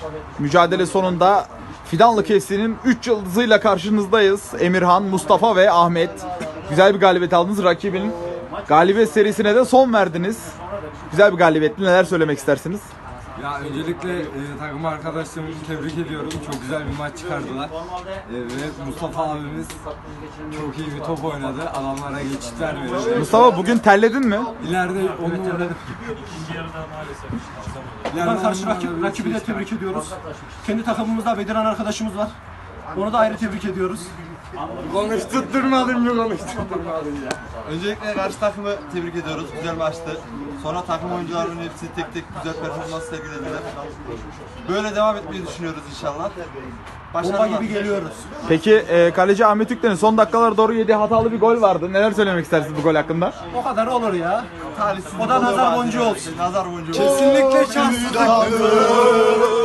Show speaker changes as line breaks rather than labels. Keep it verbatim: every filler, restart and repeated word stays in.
mücadele sonunda Fidanlı K F C'nin üç yıldızıyla karşınızdayız. Emirhan, Mustafa ve Ahmet. Güzel bir galibiyet aldınız. Rakibin galibiyet serisine de son verdiniz. Güzel bir galibiyetti. Neler söylemek istersiniz?
Ya öncelikle e, takım arkadaşlarımızı tebrik ediyorum. Çok güzel bir maç çıkardılar. E, ve Mustafa abimiz çok iyi bir top oynadı. Adamlara geçit vermedi.
Mustafa bugün terledin mi?
İleride onları...
Buradan karşı rakip, rakibi de tebrik ediyoruz. Kendi takımımızda Bediran arkadaşımız var. Onu da ayrı tebrik ediyoruz.
Konuşturtturmadın mı konuşturtturmadın ya.
Öncelikle karşı takımı tebrik ediyoruz. Güzel maçtı. Sonra takım oyuncularının hepsi tek tek güzel performans sergilediler. Böyle devam etmeyi düşünüyoruz inşallah.
Bomba
Başarılar.
gibi geliyoruz.
Peki e, kaleci Ahmet Ükten'in son dakikalara doğru yediği hatalı bir gol vardı. Neler söylemek istersiniz bu gol hakkında?
O kadar olur ya.
Talihsiz
O da
bir
nazar
bazen.
boncuğu olsun.
Nazar boncuğu.
Kesinlikle şanssızlık.